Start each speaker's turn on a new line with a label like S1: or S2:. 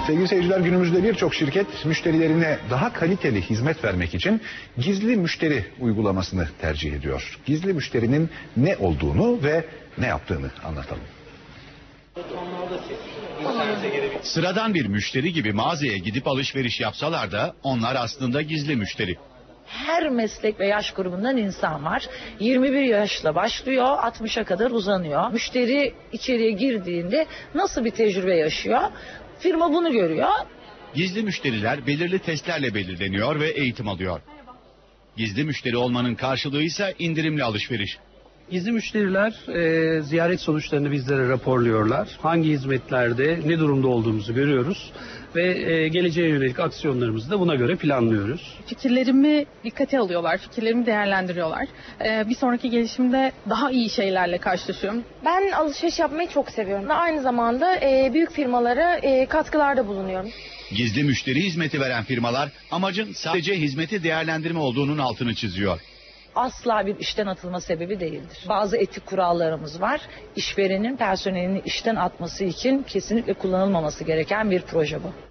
S1: Sevgili seyirciler, günümüzde birçok şirket müşterilerine daha kaliteli hizmet vermek için gizli müşteri uygulamasını tercih ediyor. Gizli müşterinin ne olduğunu ve ne yaptığını anlatalım.
S2: Sıradan bir müşteri gibi mağazaya gidip alışveriş yapsalar da onlar aslında gizli müşteri.
S3: Her meslek ve yaş grubundan insan var. 21 yaşla başlıyor, 60'a kadar uzanıyor. Müşteri içeriye girdiğinde nasıl bir tecrübe yaşıyor? Firma bunu görüyor.
S2: Gizli müşteriler belirli testlerle belirleniyor ve eğitim alıyor. Gizli müşteri olmanın karşılığı ise indirimli alışveriş.
S4: Gizli müşteriler ziyaret sonuçlarını bizlere raporluyorlar. Hangi hizmetlerde ne durumda olduğumuzu görüyoruz ve geleceğe yönelik aksiyonlarımızı da buna göre planlıyoruz.
S5: Fikirlerimi dikkate alıyorlar, fikirlerimi değerlendiriyorlar. Bir sonraki gelişimde daha iyi şeylerle karşılaşıyorum.
S6: Ben alışveriş yapmayı çok seviyorum. Aynı zamanda büyük firmalara katkılarda bulunuyorum.
S2: Gizli müşteri hizmeti veren firmalar amacın sadece hizmeti değerlendirme olduğunun altını çiziyor.
S3: Asla bir işten atılma sebebi değildir. Bazı etik kurallarımız var. İşverenin personelini işten atması için kesinlikle kullanılmaması gereken bir proje bu.